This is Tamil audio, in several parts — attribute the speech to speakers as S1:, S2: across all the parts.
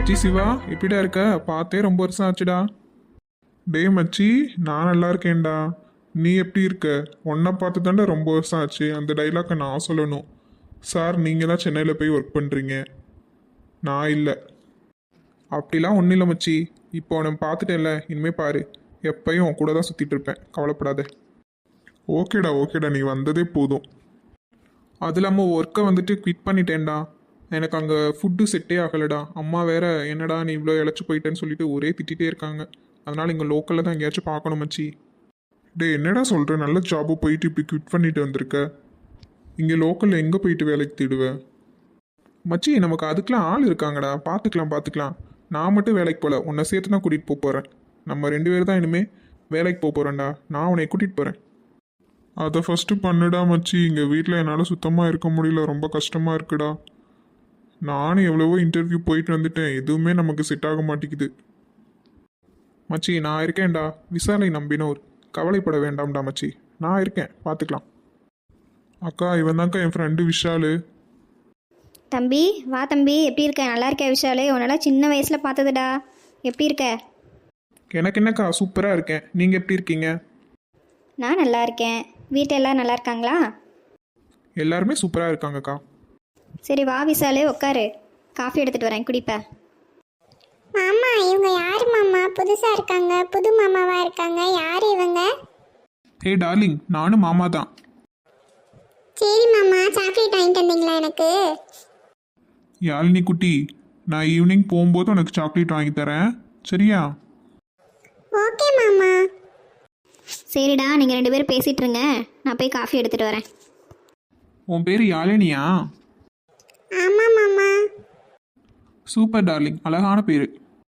S1: மச்சி சிவா எப்படிடா இருக்க? பார்த்தே ரொம்ப வருஷம் ஆச்சுடா. டேய் மச்சி, நான் நல்லா இருக்கேன்டா. நீ எப்படி இருக்க? உன்னை பார்த்து தாண்டா ரொம்ப வருஷம் ஆச்சு. அந்த டைலாக்கை நான் சொல்லணும். சார், நீங்கள் தான் சென்னையில் போய் ஒர்க் பண்ணுறீங்க, நான் இல்லை. அப்படிலாம் ஒன்றும் இல்லை மச்சி. இப்போ உன்னை பார்த்துட்டேன்ல, இனிமேல் பாரு, எப்பயும் உன் கூட தான் சுற்றிட்டு இருப்பேன், கவலைப்படாத. ஓகேடா ஓகேடா, நீ வந்ததே போதும். அது இல்லாமல் ஒர்க்கை வந்துட்டு குவிட் பண்ணிட்டேன்டா. எனக்கு அங்கே ஃபுட்டு செட்டே ஆகலைடா. அம்மா வேற என்னடா நீ இவ்வளோ இழைச்சி போயிட்டேன்னு சொல்லிட்டு ஒரே திட்டிகிட்டே இருக்காங்க. அதனால் இங்கே லோக்கலில் தான் எங்கேயாச்சும் பார்க்கணும் மச்சி. டே என்னடா சொல்கிற? நல்ல ஜாபு போயிட்டு இப்படி குவிட் பண்ணிட்டு வந்திருக்க. இங்கே லோக்கலில் எங்கே போயிட்டு வேலைக்கு தேடுவேன் மச்சி? நமக்கு அதுக்கெலாம் ஆள் இருக்காங்கடா, பார்த்துக்கலாம். நான் மட்டும் வேலைக்கு போகல, உன்னை சேர்த்து தான் கூட்டிகிட்டு போக போகிறேன். நம்ம 2 பேர் தான் இனிமேல் வேலைக்கு போக போகிறேன்டா. நான் உன்னை கூட்டிகிட்டு போகிறேன். அதை ஃபஸ்ட்டு பண்ணுடா மச்சி. இங்கே வீட்டில் என்னால் சுத்தமாக இருக்க முடியல, ரொம்ப கஷ்டமாக இருக்குடா. நானும் எவ்வளவோ இன்டர்வியூ போயிட்டு வந்துட்டேன், எதுவுமே நமக்கு செட் ஆக மாட்டேங்குது. மச்சி நான் இருக்கேன்டா, விசாலை நம்பினோர், கவலைப்பட வேண்டாம்டா மச்சி, நான் இருக்கேன், பார்த்துக்கலாம். அக்கா, இவன் தான்க்கா என் ஃப்ரெண்டு விஷாலு.
S2: தம்பி வா தம்பி, எப்படி இருக்க? நல்லா இருக்கே விஷாலு, உன்னெல்லாம் சின்ன வயசில் பார்த்ததுடா. எப்படி இருக்க?
S1: எனக்கு என்னக்கா, சூப்பராக இருக்கேன். நீங்கள் எப்படி இருக்கீங்க?
S2: நான் நல்லா இருக்கேன். வீட்டில் எல்லோரும் நல்லா இருக்காங்களா?
S1: எல்லாருமே சூப்பராக இருக்காங்கக்கா.
S2: சரி வா விஷாலு, உட்காரு, காஃபி எடுத்துகிட்டு வரேன், குடிப்ப.
S3: மாமா, இவங்க யார் மாமா? புதுசா இருக்காங்க, புது மாமாவா இருக்காங்க. யார் இவங்க?
S1: ஹே டார்லிங், நானும் மாமா தான்.
S3: சரி மாமா, சாக்லேட் வாங்கிட்டு வந்தீங்களா எனக்கு?
S1: யாழினி குட்டி, நான் ஈவினிங் போகும்போது உனக்கு சாக்லேட் வாங்கி தரேன், சரியா?
S3: ஓகே மாமா.
S2: சரிடா, நீங்கள் 2 பேரும் பேசிகிட்டு இருங்க, நான் போய் காஃபி எடுத்துகிட்டு வரேன்.
S1: உன் பேர் யாழினியா?
S3: ஆமா மாமா.
S1: சூப்பர் டார்லிங், அழகான பேர்.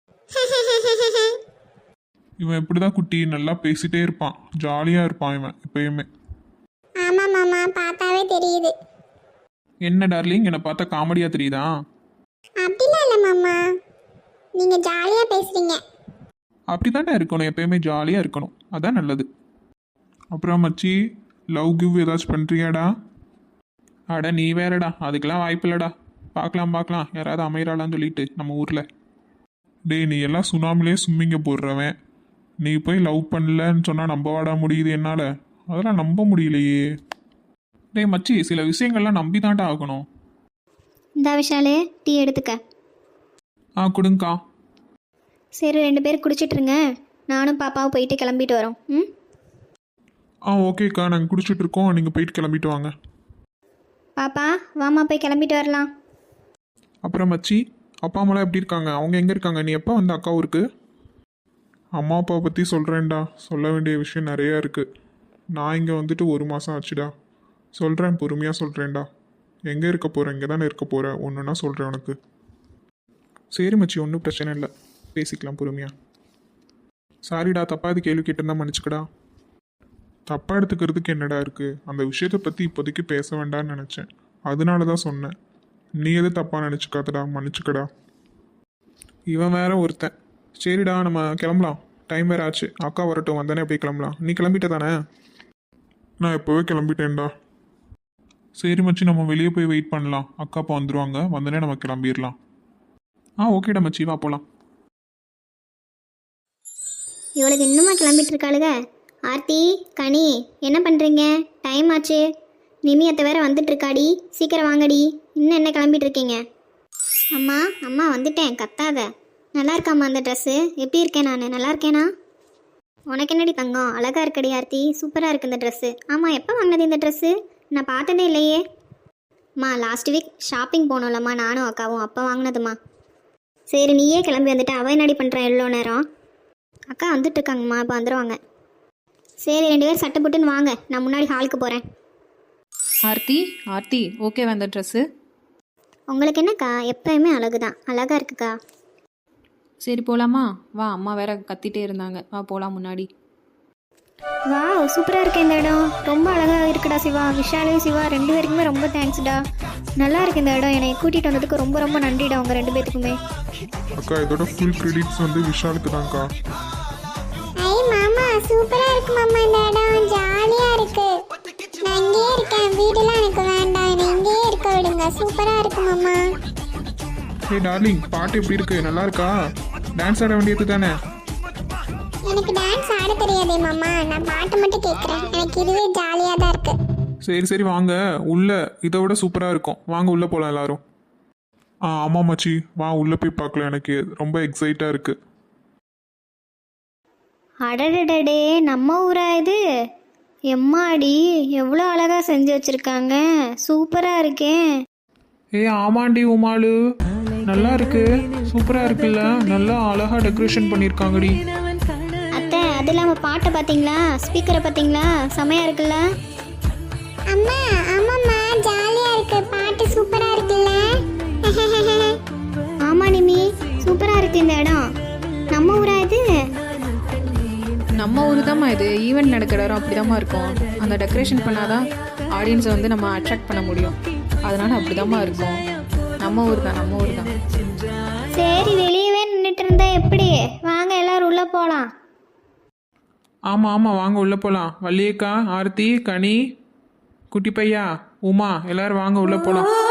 S1: இவன் இப்படிதான் குட்டி, நல்லா பேசிட்டே இருப்பான், ஜாலியாக இருப்பான் இவன் எப்பயுமே.
S3: ஆமா மாமா, பார்த்தாவே தெரியுது.
S1: என்ன டார்லிங், என்னை பார்த்தா காமெடியாக தெரியுதா?
S3: அப்படிலாம் இல்லை மாமா, நீங்க ஜாலியா பேசுறீங்க.
S1: அப்படிதான்டா இருக்கணும், எப்பயுமே ஜாலியாக இருக்கணும், அதான் நல்லது. அப்புறம் மச்சி, லவ் கிவ் ஏதாச்சும் பண்ணுறியாடா? அட நீ வேறடா, அதுக்கெல்லாம் வாய்ப்பு இல்லைடா. பார்க்கலாம், யாராவது அமையறாளான்னு சொல்லிட்டு நம்ம ஊரில். டேய், நீ எல்லாம் சுனாமிலே ஸ்விம்மிங்க போடுறவன், நீ போய் லவ் பண்ணலன்னு சொன்னால் நம்ப வாடா முடியுது என்னால்? அதெல்லாம் நம்ப முடியலையே. டேய் மச்சி, சில விஷயங்கள்லாம் நம்பி தான்டா ஆகணும்.
S2: இந்த விஷாலு, டீ எடுத்துக்க.
S1: கொடுங்கக்கா.
S2: சரி 2 பேர் குடிச்சிட்ருங்க, நானும் பாப்பாவும் போயிட்டு கிளம்பிட்டு வரோம். ம்
S1: ஓகேக்கா, நாங்கள் குடிச்சிட்டு இருக்கோம், நீங்கள் போயிட்டு கிளம்பிட்டு வாங்க.
S2: பாப்பா வாமா, போய் கிளம்பிட்டு வரலாம்.
S1: அப்புறம் மச்சி, அப்பா அம்மாலாம் எப்படி இருக்காங்க? அவங்க எங்கே இருக்காங்க? நீ எப்போ வந்த அக்கா ஊருக்கு? அம்மா அப்பாவை பற்றி சொல்கிறேன்டா, சொல்ல வேண்டிய விஷயம் நிறையா இருக்குது. நான் இங்கே வந்துட்டு 1 மாதம் ஆச்சுடா. சொல்கிறேன், பொறுமையாக சொல்கிறேன்டா. எங்கே இருக்க போகிறேன்? இங்கே தானே இருக்க போகிறேன், ஒன்றுன்னா சொல்கிறேன் உனக்கு. சரி மச்சி, ஒன்றும் பிரச்சனை இல்லை, பேசிக்கலாம் பொறுமையாக. சாரிடா, தப்பாக இது கேள்வி கேட்டிருந்தா மன்னிச்சுக்கடா. தப்பாக எடுத்துக்கிறதுக்கு என்னடா இருக்குது? அந்த விஷயத்தை பற்றி இப்போதைக்கு பேச வேண்டாம்னு நினச்சேன், அதனால தான் சொன்னேன். நீ எது தப்பாக நினச்சிக்காதடா, மன்னிச்சுக்கடா. இவன் வேற ஒருத்தன். சரிடா, நம்ம கிளம்பலாம், டைம் வேறு ஆச்சு. அக்கா வரட்டும், வந்தானே அப்படியே கிளம்பலாம். நீ கிளம்பிட்ட தானே? நான் இப்போவே கிளம்பிட்டேன்டா. சரி மச்சி, நம்ம வெளியே போய் வெயிட் பண்ணலாம், அக்கா அப்பா வந்துடுவாங்க, வந்தோடனே நம்ம கிளம்பிடலாம். ஓகேடா மச்சி, வா போகலாம்.
S2: இவளுக்கு இன்னுமா கிளம்பிட்டு இருக்காளுங்க? ஆர்த்தி, கனி, என்ன பண்ணுறீங்க? டைம் ஆச்சு. நிமி அத்தை வேற வந்துட்டு இருக்காடி, சீக்கிரம் வாங்கடி. இன்னும் என்ன கிளம்பிட்டு இருக்கீங்க? அம்மா வந்துட்டேன், கத்தாத. நல்லா இருக்காம்மா அந்த ட்ரெஸ்ஸு? எப்படி இருக்கேன் நான்? நல்லா இருக்கேனா? உனக்கு என்னடி தங்கம், அழகாக இருக்கடி ஆர்த்தி, சூப்பராக இருக்குது இந்த ட்ரெஸ்ஸு. ஆமாம், எப்போ வாங்கினது இந்த ட்ரெஸ்ஸு? நான் பார்த்ததே இல்லையே. லாஸ்ட் வீக் ஷாப்பிங் போனோம்லம்மா, நானும் அக்காவும், அப்போ வாங்கினதுமா. சரி, நீயே கிளம்பி வந்துட்டு அவ என்னடி பண்ணுறேன் எவ்வளோ நேரம்? அக்கா வந்துட்டு இருக்காங்கம்மா, இப்போ வந்துடுவாங்க. சரி 2 பேர் சட்டை போட்டுன்னு வாங்க, நான் முன்னாடி ஹாலுக்கு போகிறேன்.
S4: ஆர்த்தி ஓகே வந்த ட்ரெஸ்ஸு?
S2: உங்களுக்கு என்னக்கா, எப்பயுமே அழகு தான், அழகாக இருக்குக்கா.
S4: சரி போகலாமா? வா, அம்மா வேற கத்திட்டே இருந்தாங்க, வா போகலாம் முன்னாடி.
S2: வா, சூப்பராக இருக்கு இந்த இடம், ரொம்ப அழகாக இருக்குடா சிவா. விஷாலு சிவா 2 பேருக்குமே ரொம்ப தேங்க்ஸ்டா. நல்லா இருக்கு இந்த இடம், என்னை கூட்டிகிட்டு வந்ததுக்கு ரொம்ப ரொம்ப நன்றிடா உங்கள் 2 பேத்துக்குமே.
S1: அக்கா, இதோட ஃபுல் கிரெடிட்ஸ் வந்து விஷாலுக்கு தான்க்கா.
S3: ஐ மாமா, சூப்பரா இருக்கு மாமா, இந்த இடம் ஜாலியா இருக்கு. நான் இங்கேயே இருக்கேன், வீடெல்லாம் எனக்கு வேண்டாம், என்னை இங்கேயே இருக்க விடுங்க. சூப்பரா இருக்கு மாமா.
S1: ஏய் டார்லிங், பாட்டு எப்படி இருக்கு? நல்லா இருக்கா? டான்ஸ் ஆட வேண்டியது தானே?
S3: எனக்கு டான்ஸ் ஆட தெரியாதே மாமா, நான் பாட்டு மட்டும் கேட்குறேன். எனக்கு இதுவே ஜாலியாக தான் இருக்கு.
S1: சரி சரி வாங்க உள்ள, இதை விட சூப்பராக இருக்கும். வாங்க உள்ள போகலாம் எல்லாரும். ஆமாம் மச்சி, வா உள்ள போய் பார்க்கலாம். எனக்கு ரொம்ப எக்ஸைட்டாக இருக்கு.
S2: அடடடடே, நம்ம ஊரா இது? எம்மாடி, எவ்வளோ அழகாக செஞ்சு வச்சுருக்காங்க. சூப்பராக இருக்கே.
S5: ஆமாண்டி உமாளு, நல்லா இருக்கு, சூப்பரா இருக்குல்ல, நல்லா அழகா டெக்கரேஷன் பண்ணிருக்காங்கடி.
S2: அத்தை, அது இல்லாமல் பாட்டை பார்த்தீங்களா? ஸ்பீக்கரை பார்த்தீங்களா? செமையாக இருக்குல்ல?
S3: அம்மா ஆமாம்மா, ஜாலியாக இருக்கு, பாட்டு சூப்பராக இருக்குல்ல.
S2: ஆமாம் நிமி, சூப்பராக இருக்கு இந்த இடம். நம்ம ஊரா இது?
S4: நம்ம ஊர் தாம்மா இது. ஈவெண்ட் நடக்கிற இடம் அப்படிதாம்மா இருக்கும். அந்த டெக்கரேஷன் பண்ணாதான் ஆடியன்ஸை வந்து நம்ம அட்ராக்ட் பண்ண முடியும். அதனால அப்படிதாம்மா இருக்கும். நம்ம ஊர் தான், நம்ம ஊர் தான்.
S2: சரி, வெளியவே நின்றுட்டு இருந்தா எப்படி? வாங்க எல்லாரும் உள்ளே போகலாம்.
S5: ஆமா ஆமா, வாங்க உள்ள போலாம். வள்ளியக்கா, ஆர்த்தி, கனி, குட்டி பையா, உமா, எல்லாரும் வாங்க உள்ள போலாம்.